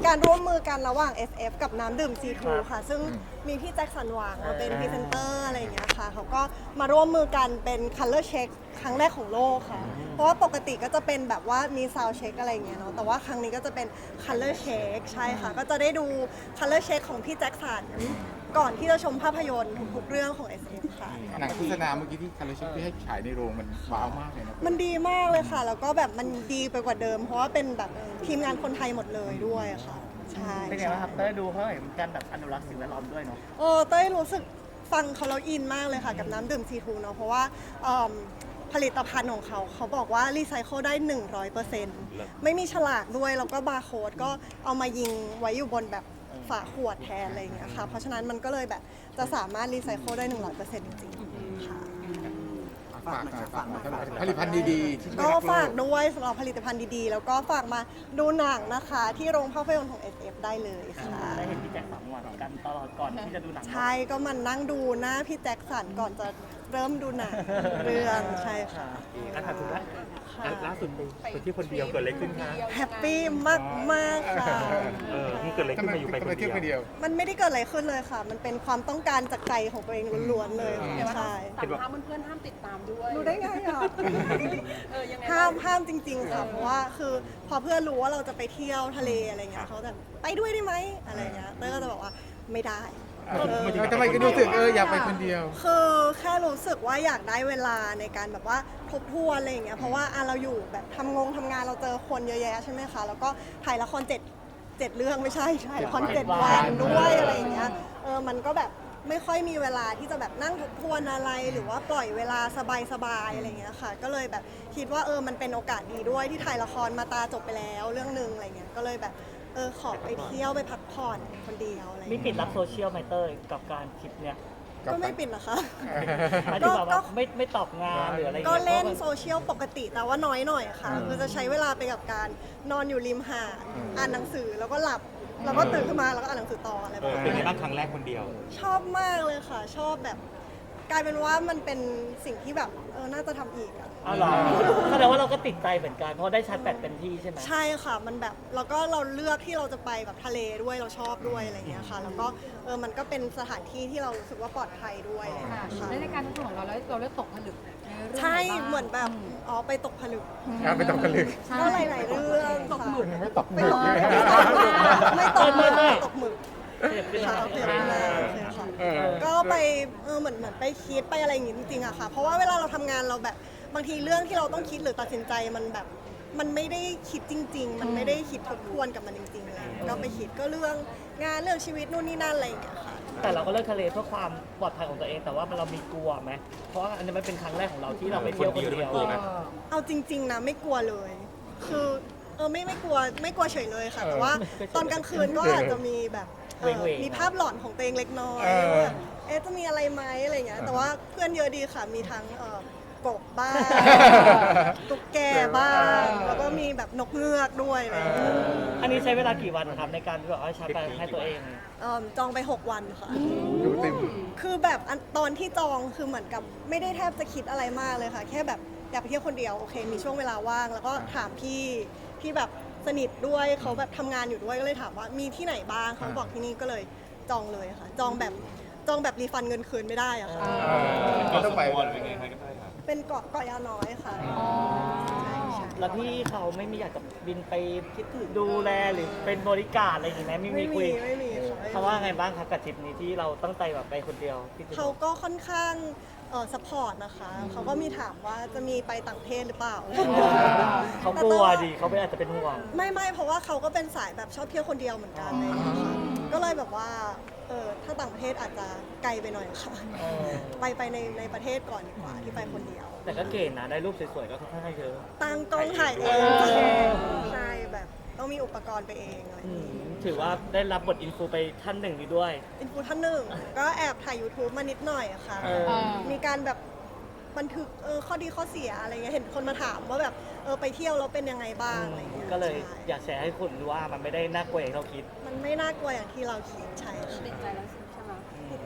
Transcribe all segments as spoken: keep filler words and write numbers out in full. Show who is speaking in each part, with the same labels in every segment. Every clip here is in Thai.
Speaker 1: การร่วมมือกันระหว่าง เอส เอฟ กับน้ำดื่ม ซี ทู ค่ะซึ่งมีพี่แจ็คสันหวังมาเป็นพรีเซนเตอร์อะไรอย่างเงี้ยค่ะเขาก็มาร่วมมือกันเป็น Color Check ครั้งแรกของโลกค่ะเพราะว่าปกติก็จะเป็นแบบว่ามี Sound Check อะไรอย่างเงี้ยเนาะแต่ว่าครั้งนี้ก็จะเป็น Color Check ใช่ค่ะก็จะได้ดู Color Check ของพี่แจ็คสันก่อนที่จะชมภาพยนตร์ทุกๆเรื่องของ เอส เอฟ ค่ะ
Speaker 2: หนังโฆษณาเมื่อกี้ที่คาร์ลชิปที่ให้ฉายในโรงมันว้าวมากเลยนะ
Speaker 1: มันดีมากเลยค่ะ แล้วก็แบบมันดีไปกว่าเดิม เพราะว่าเป็นแบบทีมงานคนไทยหมดเลยด้วยค่ะ ใช่
Speaker 3: เป็นไงบ้างครับเต้ยดูเขาเห็นการแบบอนุรักษ์สิ่งแวดล้อมด้วยเนาะ
Speaker 1: เออเต้ยรู้สึกฟังเขาแล้วอินมากเลยค่ะ กับน้ำดื่ม ซี ทู เนาะเพราะว่าเอิ่มผลิตภัณฑ์ของเขาเขาบอกว่ารีไซเคิลได้ หนึ่งร้อยเปอร์เซ็นต์ ไม่มีฉลากด้วย แล้วก็บาร์โค้ดก็เอามายิงไว้อยู่บนแบบฝาขวดแทนอะไรอย่างเงี้ยค่ะ เพราะฉะนั้นมันก็เลยแบบจะสามารถรีไซเคิลได้ หนึ่งร้อยเปอร์เซ็นต์ จริงๆค่ะ
Speaker 2: ฝากหน่อยฝากหน่อยสำหรับผลิตภัณฑ์ดีๆที่ช่วย
Speaker 1: ก็
Speaker 2: รักโล
Speaker 1: ฝาก
Speaker 2: ก
Speaker 1: ด้วยสำหรับผลิตภัณฑ์ดีๆ แล้วก็ฝากมาดูหนังนะคะ ที่โรงภาพยนตร์ของ เอส เอฟ ได้เลยค่ะ
Speaker 3: ได้เห็นพี่แจ็คสองวันกันตลอดก่อนที่จะดูหนัง
Speaker 1: ใช่ก็มันนั่งดูหน้าพี่แจ็คสันก่อนจะเริ่มดูหนังเรื่องใช่ค่ะ
Speaker 4: อ่ะถามถึงล่า
Speaker 1: ค่ะ
Speaker 4: อ่ะล่าสุดไปที่คนเดียวเกิดอะไรขึ้นคะ
Speaker 1: แฮปปี้มากๆค่ะ
Speaker 4: เออมันเกิดอะไร
Speaker 2: ทำ
Speaker 4: ขึ้น
Speaker 2: ไม
Speaker 4: มาอยู่ไป
Speaker 2: ทำ
Speaker 4: ค
Speaker 2: ไม
Speaker 4: น
Speaker 2: เที่ยวคน
Speaker 4: เดี
Speaker 2: เดี
Speaker 4: ย
Speaker 2: ยว ว
Speaker 1: มันไม่ได้เกิดอะไรขึ้นเลยค่ะ มันเป็นความต้องการจากใจของตัวเองล้วนๆเลยค่ะใช่
Speaker 5: สั่งห้ามเพื่อนๆห้ามติดตามด้วย
Speaker 1: รู้ได้ไงอ่ะ
Speaker 5: เออยังไง
Speaker 1: ห้ามห้ามจริง ๆ ค่ะ เพราะว่าคือพอเพื่อนรู้ว่าเราจะไปเที่ยวทะเลอะไรเงี้ยเขาจะไปด้วยได้ไหมอะไรเงี้ยเต้ยก็จะบอกว่าไม่ได้
Speaker 2: เออทำไมก็รู้สึกเอออยากไปคนเดียว
Speaker 1: คือแค่รู้สึกว่าอยากได้เวลาในการแบบว่าทบทวนอะไรอย่างเงี้ยเพราะว่าอ่ะเราอยู่แบบทำงงทำงานเราเจอคนเยอะแยะใช่ไหมคะแล้วก็ถ่ายละครเจ็ดเจ็ดเรื่องไม่ใช่ถ่ายละครเจ็ดวันด้วยอะไรอย่างเงี้ยเออมันก็แบบไม่ค่อยมีเวลาที่จะแบบนั่งทบทวนอะไรหรือว่าปล่อยเวลาสบายๆอะไรอย่างเงี้ยค่ะ ก็เลยแบบคิดว่าเออมันเป็นโอกาสดีด้วยที่ถ่ายละครมาตาจบไปแล้วเรื่องนึงอะไรเงี้ยก็เลยแบบเออขอไปเที่ยวไปพักผ่อนคนเดียวอะไร
Speaker 3: มี
Speaker 1: เงี้ย
Speaker 3: ปิดรับโซเชียลไหมเต้ยกับการคลิปเนี่ย
Speaker 1: ก็ไม่ปิดนะคะ
Speaker 3: หมายถึงแบบว่าไม่ไม่ตอบงานหรืออะไรอย่าง
Speaker 1: ก็
Speaker 3: เงี้ย
Speaker 1: เล่น
Speaker 3: พราะ
Speaker 1: โซเชียลปกติแต่ว่าน้อยหน่อยค่ะ คือจะใช้เวลาไปกับการนอนอยู่ริมหาดอ่านหนังสือแล้วก็หลับ แล้วก็ตื่นขึ้นมาแล้วก็อ่านหนังสือต่ออะไร
Speaker 4: เอ
Speaker 1: แบบ
Speaker 4: อเป็นไง
Speaker 1: นี้
Speaker 4: บ้างครั้งแรกคนเดียว
Speaker 1: ชอบมากเลยค่ะ ชอบแบบ กลายเป็นว่ามันเป็นสิ่งที่แบบเออน่าจะทำอีกอะ
Speaker 3: อ้าวเหรอแสดงว่าเราก็ติดใจเหมือนกันเพราะได้ชาร์จแบตเต็มที่ใช่ไหม
Speaker 1: ใช่ค่ะมันแบบแล้วก็เราเลือกที่เราจะไปแบบทะเลด้วยเราชอบด้วยอะไรอย่างเงี้ยค่ะ แล้วก็เออมันก็เป็นสถานที่ที่เรารู้สึกว่าปลอดภัยด้วยอะไรอย่าง
Speaker 5: ค่ะ
Speaker 1: เงี้ยค่ะ
Speaker 5: และในการทดลองของเราแล้วเราได้ตกผลึกในเรื่อง
Speaker 1: ใช่
Speaker 5: ไบ้าง
Speaker 1: เหมือนแบบอ๋อไปตกผลึก
Speaker 2: ครับไปตกผลึก
Speaker 5: ใช่
Speaker 1: ก็หลายๆเรื่อง
Speaker 5: ตกหมึก
Speaker 2: ไม่ตก
Speaker 1: ไม่
Speaker 2: ไม่
Speaker 1: ต
Speaker 2: ต
Speaker 1: ก
Speaker 2: ก
Speaker 1: หมึกไม่ตกหมึกไม่ตกหมึก
Speaker 3: เจ็บขึ้น
Speaker 1: ค่ะ
Speaker 3: มา
Speaker 1: โอเคไม่ได้โอเคค่ะ
Speaker 2: เออ
Speaker 1: ก็ไปเออเหมือนเหมือนไปคิดไปอะไรอย่างงี้จริงๆอะค่ะ เพราะว่าเวลาเราทำงานเราแบบบางทีเรื่องที่เราต้องคิดหรือตัดสินใจมันแบบ มันไม่ได้คิดจริง ๆ มันไม่ได้คิดทบทวนกับมันจริงๆอะไรอย่างเลยก็ไปคิดก็เรื่องงานเรื่องชีวิตนู่นนี่นั่นอะไรอย่างเงี้ยค่ะ
Speaker 3: แต่เราก็เลือกทะเลเพื่อความปลอดภัยของตัวเอง แต่ว่าเรามีกลัวไหมเพราะว่าอันนี้มันเป็นครั้งแรกของเราที่เราไปเที่ยวคนเดียว
Speaker 4: คนเดียว
Speaker 1: เอาจริง ๆนะไม่กลัวเลย คือเออไม่ไม่กลัวไม่กลัวเฉยเลยค่ะ แต่ว่าตอนกลางคืนก็อาจจะมีแบบเอ่อมีภาพหลอนของตัวเองเล็กน้อย
Speaker 2: เออ
Speaker 1: ว่าแบบเอ๊ะจะมีอะไรไหมอะไรเงี้ยแต่ว่าเพื่อนเยอะดีค่ะมีทั้งเอ่อกบบ้างตุ๊กแกบ้างแล้วก็มีแบบนกเงือกด้วยอะไรเงี้ย
Speaker 3: อันนี้ใช้เวลากี่วันครับในการที่แบบว่าชาร์จแบตให้ตัวเอง
Speaker 1: เอิ่มจองไปหกวันค่ะ
Speaker 2: ดูเต็ม
Speaker 1: คือแบบอันตอนที่จองคือเหมือนกับไม่ได้แทบจะคิดอะไรมากเลยค่ะ แค่แบบอยากไปเที่ยวคนเดียวโอเค มีช่วงเวลาว่าง แล้วก็ถามพี่ที่แบบสนิทด้วยเขาแบบทำงานอยู่ด้วยก็เลยถามว่ามีที่ไหนบ้างเขาบอกที่นี่ก็เลยจองเลยค่ะ จองแบบจองแบบรีฟันเงินคืนไม่ได้อะค่ะ
Speaker 2: ก็ต้องไป
Speaker 1: เป็นเกาะเกาะยาวน้อยค่ะใช่ใช่
Speaker 3: แล้วพี่เขาไม่มีอยากจะบินไปคิดถึงดูแลหรือเป็นบริการอะไรอย่างงี้ไหมไม่มี
Speaker 1: ไม่
Speaker 3: คุ
Speaker 1: มี
Speaker 3: ย
Speaker 1: ไม่มีค่ะไม่มี
Speaker 3: เขาว่าไงบ้างครับกับทริปนี้ที่เราตั้งใจแบบไปคนเดียวที่จะ
Speaker 1: เขาก็ค่อนข้างเออสปอร์ตนะคะเขาก็มีถามว่าจะมีไปต่างประเทศหรือเปล่า
Speaker 3: เขากลัวดิเขาไม่อาจจะเป็นห่วง
Speaker 1: ไม่ไม่เพราะว่าเขาก็เป็นสายแบบชอบเที่ยวคนเดียวเหมือนกันอะไรอย่างเลยค่ะก็เลยแบบว่าเออถ้าต่างประเทศอาจจะไกลไปหน่อยค่ะ
Speaker 3: เออ
Speaker 1: ไปไปในในประเทศก่อนดีกว่าที่ไปคนเดียว
Speaker 3: แต่ก็เก่งนะ ได้รูปสวยๆ ก็ค่อนข้างเยอะ
Speaker 1: ตั้งกล้องถ่ายเอง
Speaker 3: เออ
Speaker 1: ใช่แบบต้องมีอุปกรณ์ไปเองอะไรอ
Speaker 3: อื
Speaker 1: ย่าง
Speaker 3: ม
Speaker 1: งี้
Speaker 3: ถือว่าได้รับบทอินฟูไปท่านหนึ่งนี้ด้วย
Speaker 1: อินฟูท่านหนึ่งก็แอบถ่าย YouTube มานิดหน่อยค่ะ
Speaker 3: เออ
Speaker 1: มีการแบบบันทึกเออข้อดีข้อเสียอะไรเงี้ยเห็นคนมาถามว่าแบบเออไปเที่ยวแล้วเป็นยังไงบ้างอะไรเงี้ย
Speaker 3: ก็เลย
Speaker 1: ใช่
Speaker 3: อยากแชร์ให้คุณรู้ว่ามันไม่ได้น่ากลัวอย่างที่เราคิด
Speaker 1: มันไม่น่ากลัวอย่างที่เราคิดใช่ค่ะ
Speaker 5: ติดใจแล้วใช่ไหม
Speaker 1: ติดใจแล้ว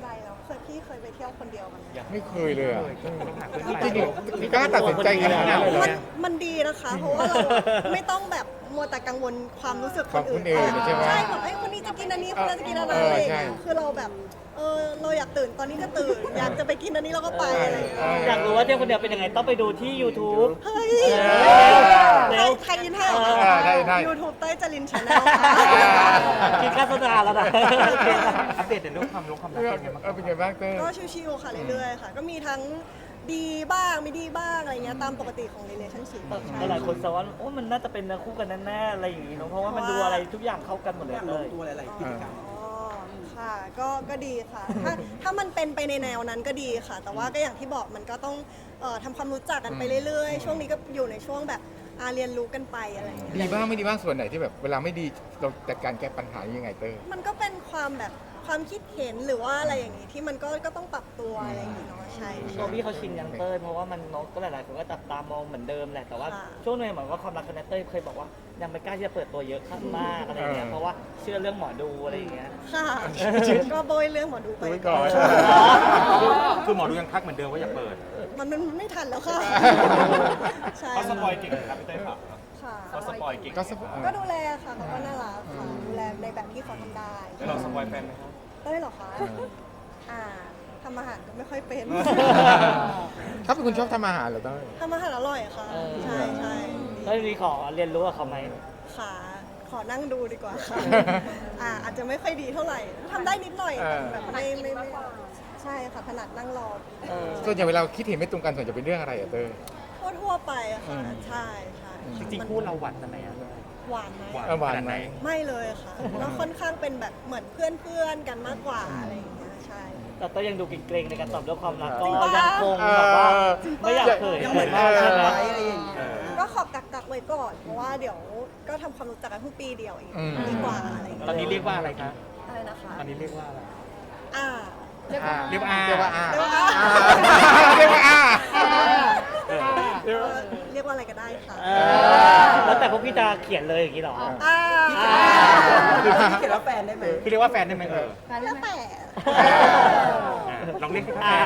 Speaker 1: เคยพี่เคยไปเที่ยวคนเดียวกันไหม
Speaker 2: ไม่เคยเลยอะ
Speaker 4: ต้องหาเพื่อน
Speaker 2: จ
Speaker 4: ไป
Speaker 2: ริงๆกล้าตัดสินใจขนาดนั้นเลยเหรอ
Speaker 1: มันมันดีนะคะ เพราะว่าเราอะไม่ต้องแบบมัวแต่กังวลความรู้สึกคนอื่น
Speaker 2: ของคนอื่นใช่ไหม
Speaker 1: ใช่แบบไอ้ยคนนี้จะกินอันนี้คนนั้นจะกินอันนั้น
Speaker 2: เออ
Speaker 1: อะไรอย่าง
Speaker 2: ใช่
Speaker 1: เงี้ยคือเราแบบเออเราอยากตื่นตอนนี้ก็ตื่น อยากจะไปกินอันนี้เราก็ไปอะไรอย่างเงี้ย
Speaker 3: อยากรู้ว่าเที่ยวคนเดียวเป็นยังไงต้องไปดูที่ YouTube
Speaker 1: เฮ้ย
Speaker 3: เร็ว
Speaker 1: ใครยินให้เหรอ
Speaker 2: เออได้ได้
Speaker 1: ยูทูบเต้ยจรินชาแนลค่ะ
Speaker 3: กินข้าวสนาแล้วนะ
Speaker 4: อัปเดตในเรื่องความรู้ความรักเป็นไงบ้าง
Speaker 2: เออเป็นไงบ้างเต้ย
Speaker 1: ก็ชิวๆค่ะเรื่อยๆค่ะ ก็มีทั้งดีบ้างไม่ดีบ้างอะไรเงี้ยตามปกติของ relationship ใช่
Speaker 3: หลายคนแซวว่าโอ้มันน่าจะเป็นเนื้อคู่กันแน่ๆอะไรอย่างงี้เนอะเพราะว่ามันดูอะไรทุกอย่างเข้ากันหมดเลยเลย
Speaker 1: อ๋อค่ะ ก็ก็ดีค่ะ ถ้าถ้ามันเป็นไปในแนวนั้นก็ดีค่ะ แต่ว่าก็อย่างที่บอกมันก็ต้องเอ่อทำความรู้จักกันไปเรื่อยๆ ช่วงนี้ก็อยู่ในช่วงแบบอาเรียนรู้กันไปอะไรอย่างเงี้ย
Speaker 2: ดีบ้างไม่ดีบ้างส่วนไหนที่แบบเวลาไม่ดีเราจัดการแก้ปัญหายังไงเต้ย
Speaker 1: มันก็เป็นความแบบความคิดเห็นหรือว่าอะไรอย่างงี้ที่มันก็ก็ต้องปรับตัวอะไรอย่างงี้เนาะใช่
Speaker 3: ตั
Speaker 1: ใช่
Speaker 3: วพี่เขาชินยังเต้ยเพราะว่ามันนกก็หลายๆคนก็จับตามองเหมือนเดิมแหละแต่ว่า
Speaker 1: ค่ะ
Speaker 3: ช่วงนึงเหมือนว่าความรักกับเต้ยเคยบอกว่ายังไม่กล้าที่จะเปิดตัวเยอะข้างมากอะไรอย่างเงี้ยเพราะว่าเชื่อเรื่องหมอดูอะไรอย่างเงี้ย
Speaker 1: ค่ะ ก็โบยเรื่องหมอดูไป
Speaker 2: ดูไว้ก่อน
Speaker 4: คือหมอดูยังทักเหมือนเดิมว่าอย่าเปิด
Speaker 1: มันมันไม่ทันแล้วค่ะ ใช่
Speaker 4: เขาสปอยเก่งครับพี่เต้ยครับ
Speaker 1: ค่ะ
Speaker 4: เขาสปอยเก่ง
Speaker 2: ก็สป
Speaker 1: ก็ดูแลค่ะเขาก็น่ารักค่ะดูแลในแบบที่เขาทำได้
Speaker 4: แล้วเราสปอยแฟนไหมครับ
Speaker 1: เต้ยเหรอคะอ่าทำอาหารก็ไม่ค่อยเป็น
Speaker 2: เขาเป็นคนชอบทำอาหารเหรอเต้ย
Speaker 1: ทำอาหารอร่อยค่ะ
Speaker 3: เออ
Speaker 1: ใช่ใช่
Speaker 3: เต้ยมีขอเรียนรู้กับเขาไหม
Speaker 1: ค่ะ ขอนั่งดูดีกว่าค่ะ อ่าอาจจะไม่ค่อยดีเท่าไหร่ทำได้นิดหน่อยแต่แบบไม่ไม่ไม่ใช่ค่ะถนัดนั่งรอ
Speaker 3: เออ
Speaker 2: ส่วนใหญ่เวลาคิดเห็นไม่ตรงกันส่วนใหญ่เป็นเรื่องอะไรอะเต้ย
Speaker 1: ทั่วทั่วๆไปอะ
Speaker 2: อื
Speaker 1: ค่ะ
Speaker 2: ม
Speaker 1: ใช่ใช่
Speaker 4: จริงๆคู่เราหวานกันไหมอะ
Speaker 1: หวานไหม
Speaker 2: เออหวานไหม
Speaker 1: ไม่เลยค่ะแล้วค่อนข้างเป็นแบบเหมือนเพื่อนเพื่อนๆกันมากกว่าอะไรอย่างเงี้ยใช่
Speaker 3: แต่เต้ยยังดูเกรงๆในการตอบด้วยความรักก็
Speaker 1: จริงปะ
Speaker 3: ยังคงแบบว่า
Speaker 2: เออ
Speaker 3: ไม่อยากเผยเผยมากใช่ไหม
Speaker 1: ก็ขอบกักกักๆไว้ก่อน เพราะว่าเดี๋ยวก็ทำความรู้จักกันเพิ่งปีเดียวเอง
Speaker 2: อืม
Speaker 1: ดีกว่าอะไรอย่างเงี้ย
Speaker 4: ตอนนี้เรียกว่าอะไรคะ
Speaker 1: อะไรนะคะ
Speaker 4: ตอนนี้เรียกว่าอะไร
Speaker 1: อ่า
Speaker 5: เรียกว่า
Speaker 4: เรียกว่าอา
Speaker 2: เรียกว่าอา
Speaker 1: เรียกว่าอา
Speaker 2: เรียกว่าอา
Speaker 1: เออเรียกว่าอะไรก็ได้ค่ะ
Speaker 3: เออแล้วแต่พวกพี่จะเขียนเลยอย่างนี้เหรอ
Speaker 1: อ่า
Speaker 6: พี่เขียนว่าแฟนได้ไหม
Speaker 4: คือเรียกว่าแฟนได้ไหมเออ
Speaker 5: การ
Speaker 1: แล้
Speaker 5: เล่
Speaker 1: วน
Speaker 5: ไหม
Speaker 1: แต่
Speaker 4: อ่ะลองเรียกให้แฟ
Speaker 3: อ่าน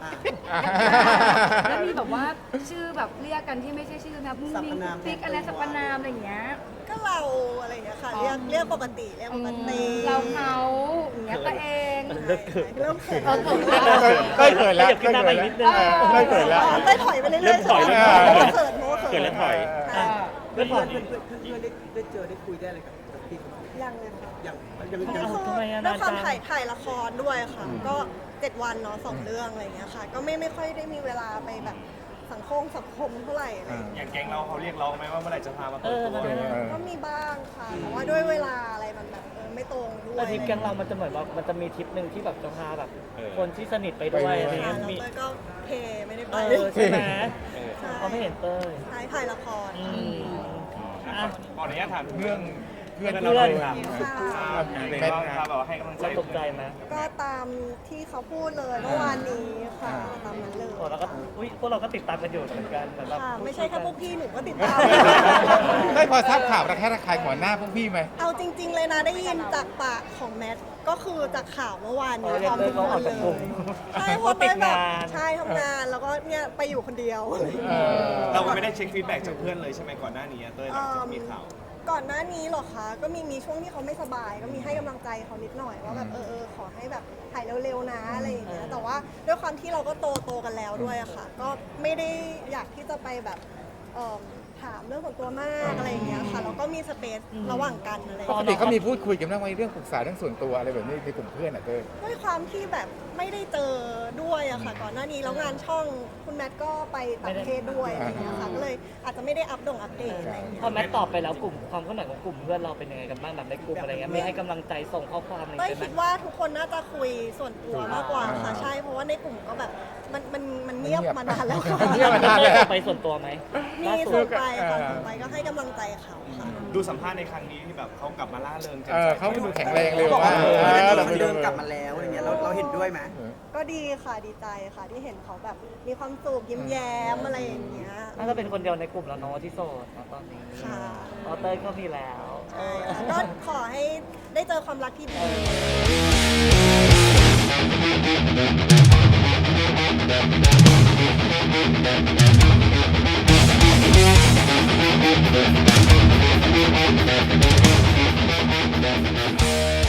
Speaker 5: แล้วมีแบบว่าชื่อแบบเรียกกันที่ไม่ใช่ชื่อนะมุ้ง
Speaker 6: สรร
Speaker 5: มิ้
Speaker 6: พ
Speaker 5: ง
Speaker 6: นาม
Speaker 5: ปิ๊กอะไรสรรพนามอะไรอย่างเงี้ย
Speaker 1: ก็เราอะไรอย่างเงี้ยค่ะ เรียกเรียกปกติเรียกปกติ
Speaker 5: เราเขาอย่างเงี้ยตัวเอง
Speaker 3: เลิกเขิน
Speaker 1: เริ่มเขิน
Speaker 5: เออเขิน
Speaker 2: เต้ยเขินแล้ว
Speaker 3: ขยับขึ้นหน้าไปอีกนิดนึง
Speaker 2: เต้ยเขินแล้ว
Speaker 1: อ๋อเต้ยถอยไปเรื่อยๆ
Speaker 4: เริ่มถอย
Speaker 1: ใช่ไหม
Speaker 2: เริ่มถอย
Speaker 1: เพราะว่าเขินเพราะว่าเขิน
Speaker 4: เกิดแล้วถอย
Speaker 1: ใช่
Speaker 3: เพื่อนบอก
Speaker 6: เพื่อนเพื่อนเพื่อนได้ได้เจอได้คุยได้อะไรกับกับพี่เขาไหม
Speaker 1: ยังเลยค่ะ
Speaker 6: ยังยัง
Speaker 1: ก็
Speaker 6: ยัง
Speaker 1: คือ
Speaker 3: ทำไมอะ
Speaker 1: ด้วยความ
Speaker 3: นานจัง
Speaker 1: ถ่ายถ่ายละครด้วยค่ะ ก็เจ็ดวันเนาะสองเรื่องอะไรอย่างเงี้ยค่ะ ก็ไม่ไม่ค่อยได้มีเวลาไปแบบสังคมสังคมเท่าไหร่อะไรอย่างเงี้ย
Speaker 4: อย่างแก๊งเราเขาเรียกร้องไหมว่าเมื่อไหร่จะพามาเปิดตัว
Speaker 3: เออ
Speaker 1: ก็มีบ้างค่ะแต่ว่าด้วยเวลาอะไรมันแบบเออไม่ตรงด้วย
Speaker 3: แต่ทริปแกงเรามันจะเหมือนว่ามันจะมีทริปหนึ่งที่แบบจะพาแบบ
Speaker 4: เออ
Speaker 3: คนที่สนิทไปด้วยอะไร
Speaker 1: ค่ะ
Speaker 3: เงี้ย
Speaker 1: แล้ว
Speaker 3: มี
Speaker 1: เต้ยก็เทไม่ได้ไป
Speaker 3: เออใช่ไหม
Speaker 1: ใช่
Speaker 3: เขาไม่เห็นเต้ย
Speaker 1: ถ่ายถ่ายละคร
Speaker 3: อืมอ่ะ
Speaker 4: ขออนุญาตถามเรื่อง
Speaker 2: เพื่อน
Speaker 3: เพื่อน
Speaker 2: ครับ
Speaker 1: ค่ะ
Speaker 4: เป็นบ้างครับแบบว่าให้กำลังใจ
Speaker 3: เราตกใจไหม
Speaker 1: ก็ตามที่เขาพูดเลยเมื่อวานนี้ค่ะตามนั้นเลย
Speaker 3: โอ้เราก็อุ้ยพวกเราก็ติดตามกันอยู่เหมือนกันเหมือนแบบ
Speaker 1: ค่ะไม่ใช่แค่พวกพี่หนูก็ติดตาม
Speaker 2: ได้พอทราบข่าวระแคะระคายหัวหน้าพวกพี่ไหม
Speaker 1: เอาจริง ๆ เลยนะได้ยินจากปากของแมทก็คือจากข่าวเมื่อวานนี้
Speaker 3: เออ
Speaker 1: พร้อมทุกคนเล
Speaker 3: เต้ยเขาออกจากกลุ่
Speaker 1: ย
Speaker 3: ม
Speaker 1: ใช่เพ
Speaker 3: เขา
Speaker 1: ราะ
Speaker 3: ติ
Speaker 1: เต้
Speaker 3: ด
Speaker 1: ยแบบ
Speaker 3: งาน
Speaker 1: ใช่ทำงานแล้วก็เนี่ยไปอยู่คนเดียว
Speaker 2: เออ
Speaker 7: เราไม่ได้เช็คฟีดแบ็กจากเพื่อนเลยใช่ไหมก่อนหน้านี้อะเต้ยหลังจากมีข่าว
Speaker 1: ก่อนหน้านี้เหรอคะ ก็มีมีช่วงที่เขาไม่สบาย ก็มีให้กำลังใจเขานิดหน่อยว่าแบบเออเออขอให้แบบถ่ายเร็วๆนะอะไรอย่างเงี้ย แต่ว่าด้วยความที่เราก็โตโตกันแล้วด้วยอะค่ะ ก็ไม่ได้อยากที่จะไปแบบเอิ่มถามเรื่องส่วนตัวมากอะไรอย่างเงี้ยค่ะ แล้วก็มีสเปซระหว่างกันอะไรอย่าง
Speaker 2: ป
Speaker 1: เงี้ย
Speaker 2: กติเขามีพูดคุยกันบ้างไหมเรื่องปรึกษาเรื่องส่วนตัวอะไรแบบนี้ในกลุ่มเพื่อนอ่ะเต้ย
Speaker 1: ด้วยความที่แบบไม่ได้เจอด้วยอะค่ะ ก่อนหน้านี้แล้วงานช่องคุณแมทก็ไปต่างประเทศด้วยอะไรอย่างเงี้ยค่ะ ก็เลยอาจจะไม่ได้อัปดงอัปเดตอะไรอย่างเงี้ย
Speaker 3: พอแมทตอบไปแล้วกลุ่มความเคลื่อนไหวของกลุ่มเพื่อนเราเป็นยังไงกันบ้างแบบในกลุ่มอะไรเงี้ยมีให้กำลังใจส่งข้อความอะไร
Speaker 1: เต้ย
Speaker 3: กันไหม
Speaker 1: คิดว่าทุกคนน่าจะคุยส่วนตัวมากกว่าค่ะ ใช่ เพราะว่าในกลุ่มก็แบบมันมันมันเงียบมานานแล้วค่ะ
Speaker 2: เงียบมานาน
Speaker 3: ได้ไปส่วนตัวไหม
Speaker 1: มี
Speaker 3: ล่าสุ
Speaker 1: ส่
Speaker 3: ด
Speaker 1: งไปค่ะส่งไปก็ให้กำลังใจเขาค่ะ
Speaker 7: ดูสัมภาษณ์ในครั้งนี้ที่แบบเขากลับมาล่าเริงแจ่ม
Speaker 2: เอ
Speaker 7: ใส
Speaker 2: อเขาดูแข็งแรงเร็ว
Speaker 6: บอก
Speaker 2: มา
Speaker 6: ว่าก เออ
Speaker 2: เออ
Speaker 6: เรา
Speaker 2: เราไป
Speaker 6: เดิ
Speaker 2: ดู
Speaker 6: นกลับมาแล้วอะไรเงี้ยเราเราเห็นด้วยไหม
Speaker 1: ก็ดีค่ะดีใจค่ะที่เห็นเขาแบบมีความสุขยิ้มแย้มอะไรอย่างเงี้ย
Speaker 3: น่าจะเป็นคนเดียวในกลุ่มแล้วเนาะที่โสดเนอะตอนนี้
Speaker 1: ค่ะ
Speaker 3: ออเต้ยก็มีแล้ว
Speaker 1: ใช่ค่ะก็ขอให้ได้เจอความรักที่ดี
Speaker 8: We'll be right back.